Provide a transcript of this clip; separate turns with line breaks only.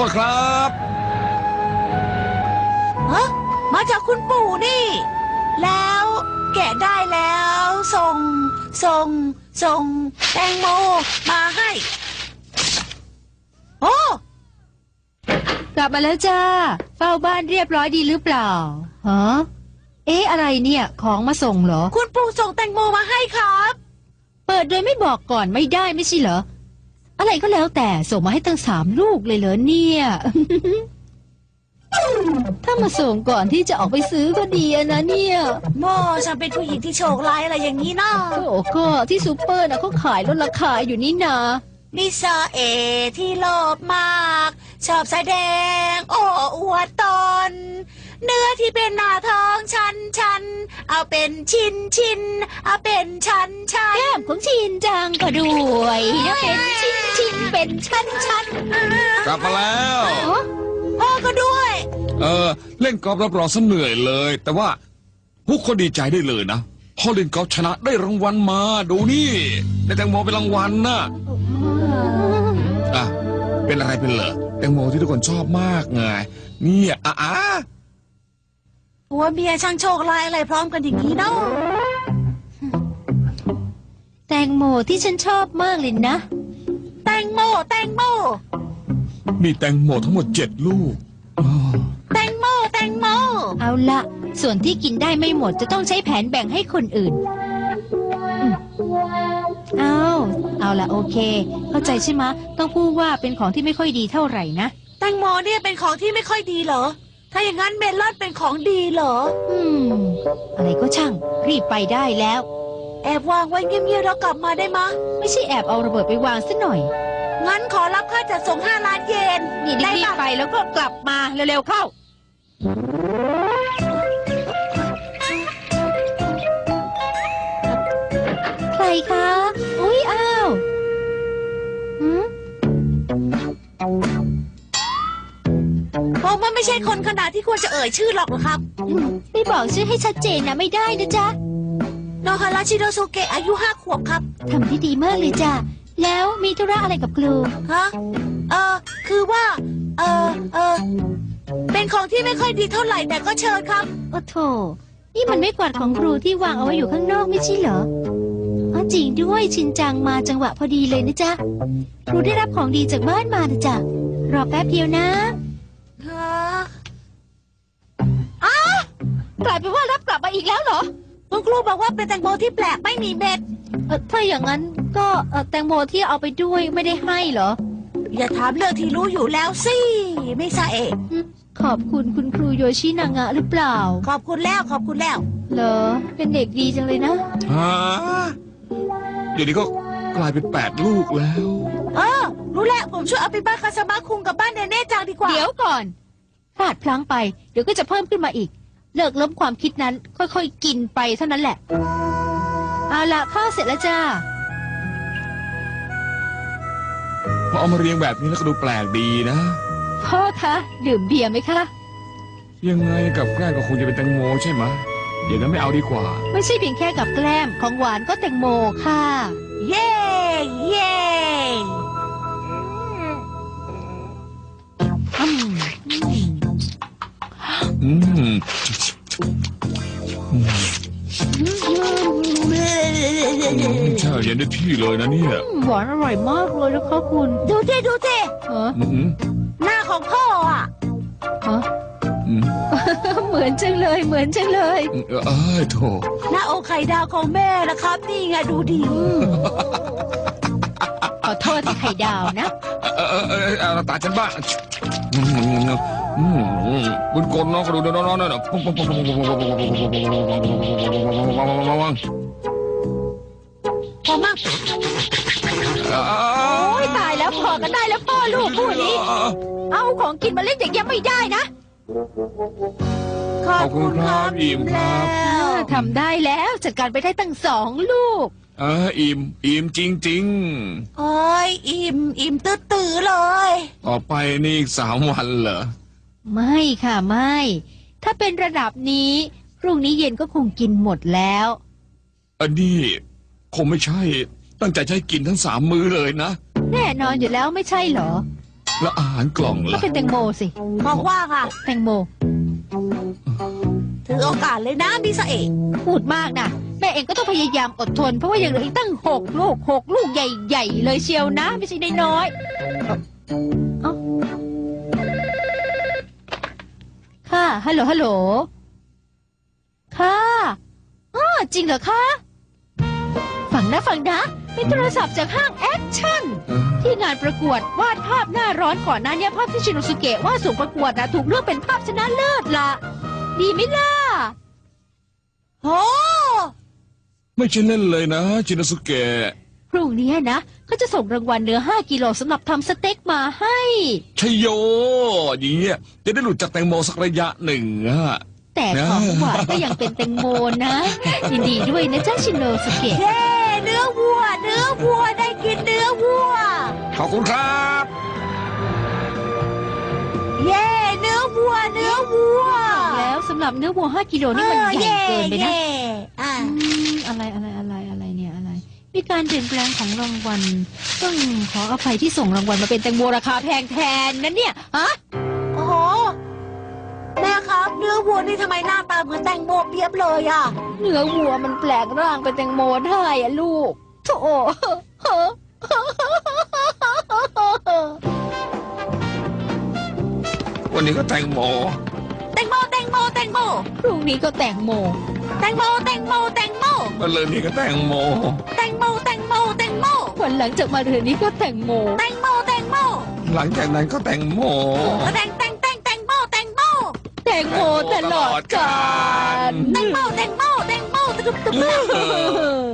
ษครับ
ฮะมาจากคุณปู่นี่ แล้วแกะได้แล้วส่งแตงโมมาให้โอ้
กลับมาแล้วจ้าเฝ้าบ้านเรียบร้อยดีหรือเปล่าฮะเอ๊ะอะไรเนี่ยของมาส่งเหรอ
คุณปู่ส่งแตงโมมาให้ครับ
เปิดโดยไม่บอกก่อนไม่ได้ไม่ใช่เหรออะไรก็แล้วแต่ส่งมาให้ตั้ง3 ลูกเลยเหรอเนี่ย ถ้ามาส่งก่อนที่จะออกไปซื้อก็ดีนะเนี่ย
โม่ฉันเป็นผู้หญิงที่โชคร้ายอะไรอย่างนี้นะ
โอ้ก็ที่ซูเปอร์นะเขาขายลดราคาอยู่นี่นา
นิสาเอที่โลภมากชอบแสดงโอ้อวดตนเนื้อที่เป็นหน้าท้องฉันเอาเป็นชิ้นเอาเป็นชั้น
แก้มของชินจังก็ด้วยนะเป็นชิ้นเป็นชั้น
กลับมาแล้ว
พ่อก็ด้วย
เล่นกอล์ฟรับรองซะเหนื่อยเลยแต่ว่าพวกคนดีใจได้เลยนะพอเล่นกอล์ฟชนะได้รางวัลมาดูนี่ได้แตงโมเป็นรางวัลนะเป็นอะไรเป็นเหรอแตงโมที่ทุกคนชอบมากไงเนี่ย
หัวเมียช่างโชคร้ายอะไรพร้อมกันอย่างนี้เนาะ
แตงโมที่ฉันชอบมากเลยนะ
แตงโม
มีแตงโมทั้งหมด7 ลูก
แตงโม
เอาละส่วนที่กินได้ไม่หมดจะต้องใช้แผนแบ่งให้คนอื่นเอาละโอเคเข้าใจใช่ไหมต้องพูดว่าเป็นของที่ไม่ค่อยดีเท่าไหร่นะ
แตงโมเนี่ยเป็นของที่ไม่ค่อยดีเหรอถ้าอย่างนั้นเมลอนเป็นของดีเหรอ
อะไรก็ช่างรีบไปได้แล้ว
แอบวางไว้เงียบๆแล้วกลับมาได้มะ
ไม่ใช่แอบเอาระเบิดไปวางซะหน่อย
งั้นขอรับค่าจัดส่ง5 ล้านเยน
นี่รีบไปแล้วก็กลับมาเร็วๆเข้าใครคะอุ๊ยอ้าว
ผมว่าไม่ใช่คนขนาดที่ควรจะเอ่ยชื่อหรอกครับ
ไม่บอกชื่อให้ชัดเจนนะไม่ได้นะจ๊ะ
โนฮาราชิโดโซเกะอายุ5 ขวบครับ
ทำที่ดีมากเลยจ้ะแล้วมีธุระอะไรกับครู
ฮะคือว่าเป็นของที่ไม่ค่อยดีเท่าไหร่แต่ก็เชิญครับ
โอ้โถนี่มันไม่กวาดของครูที่วางเอาไว้อยู่ข้างนอกไม่ใช่เหรอจริงด้วยชินจังมาจังหวะพอดีเลยนะจ๊ะครูได้รับของดีจากบ้านมานะจ๊ะรอแป๊บเดียวนะกลายเป็นว่ารับกลับมาอีกแล้วเหรอ
คุณครูบอกว่าเป็นแตงโมที่แปลกไม่มีเม็ด
ถ้าอย่างนั้นก็แตงโมที่เอาไปด้วยไม่ได้ให้เหรอ
อย่าถามเรื่องที่รู้อยู่แล้วสิไม่ใช่เอง
ขอบคุณคุณครูโยชินางะหรือเปล่า
ขอบคุณแล้ว
เหรอเป็นเด็กดีจังเลยนะ
เดี๋ยวนี้ก็กลายเป็น8 ลูกแล้ว
รู้แล้วผมช่วยเอาไปบ้านคาซามาคุงกับบ้านเนเน่จังดีกว่า
เดี๋ยวก่อนพลาดพลั้งไปเดี๋ยวก็จะเพิ่มขึ้นมาอีกเลิกล้มความคิดนั้นค่อยๆกินไปเท่านั้นแหละเอาละข้าวเสร็จแล้วจ้า
พอเอามาเรียงแบบนี้แล้วก็ดูแปลกดีนะ
พ่อคะดื่มเบียร์ไหมคะ
ยังไงกับแกล้มก็คงจะเป็นแตงโมใช่ไหมเดี๋ยวนั้นไม่เอาดีกว่า
ไม่ใช่เพียงแค่กับแกล้มของหวานก็แตงโมค่ะ
เย้
ใช่เย็นได้ที่เลยนะเนี่ย
หวานอร่อยมากเลยนะคะคุณ
ดูเท่หน้าของพ่อ
เหมือนจังเลย
โถ
หน้าอกไข่ดาวของแม่นะครับนี่ไงดูดี
ขอโทษที่ไข่ดาวนะ
ตาฉันบ้างบุญกลน้องก็ดูน้องนั่น
พอมาก
โอ้ยตายแล้วพอกันได้แล้วพ่อลูกคู่นี้เอาของกินมาเล่นอย่างนี้ไม่ได้นะ
ขอบคุณครับ
อิ่มครับ
ทำได้แล้วจัดการไปได้ตั้ง2 ลูก
อิ่มจริง
โอ้ยอิ่มตื้อเลย
ต่อไปนี่อีก3 วันเหรอ
ไม่ค่ะไม่ถ้าเป็นระดับนี้พรุ่งนี้เย็นก็คงกินหมดแล้ว
อันนี้คงไม่ใช่ตั้งใจจะให้กินทั้ง3 มื้อเลยนะ
แน่นอนอยู่แล้วไม่ใช่เหรอ
แล้วอาหารกล่อง
ก็
ล่ะ
เป็นแตงโมสิ
บอกว่าค่ะ
แตงโม
ถือโอกาสเลยนะมิสเอะ
พูดมากนะแม่เองก็ต้องพยายามอดทนเพราะว่ายังเหลืออีกตั้ง6 ลูกใหญ่ๆเลยเชียวนะไม่ใช่น้อยๆเอ้าค่ะฮัลโหลค่ะอ้อจริงเหรอคะฟังนะเป็นโทรศัพท์จากห้างแอคชั่น ที่งานประกวดวาดภาพหน้าร้อนก่อนหน้านี้ภาพที่ชินโนสุเกะวาดส่งประกวดนะถูกเลือกเป็นภาพชนะเลิศละดีไหมล่ะ
โอ้
ไม่ใช่เล่นเลยนะชินสุเกะ
พรุ่งนี้นะเขาจะส่งรางวัลเนื้อ5 กิโลสำหรับทำสเต็กมาให้
ชัยโยอย่างเงี้ยจะได้หลุดจากแตงโมสักระยะหนึ่งอะ
แต่ของหวานก็ยังเป็นแตงโมนะยินดีด้วยนะจ๊ะชินโนสุเกะ
เย้เนื้อวัวได้กินเนื้อวัว
ขอบคุณครับ
เย้เนื้อวัว
แล้วสำหรับเนื้อวัว5 กิโลนี่มันใหญ่เกินไปนะ
อ่า
อะไรเนี่ยอะไร มีการเปลี่ยนแปลงของรางวัลต้องขออภัยที่ส่งรางวัลมาเป็นแตงโมราคาแพงแทนนะเนี่ยฮะ
โอ้โหแม่ครับเนื้อวัวนี่ทำไมหน้าตาเหมือนแตงโมเปียบเลยอ่ะ
เนื้อวัวมันแปลงร่างเป็นแตงโมได้อะลูกโถ
วันนี้ก็แตงโม
แตงโม
พรุ่งนี้ก็แตงโม
วันเลยนี้ก็แตงโม
วันหลังจากมาเรือนนี้ก็แตงโม
หลังจากนั้นก็แตงโม
แตงโมตลอดกาล
แตงโม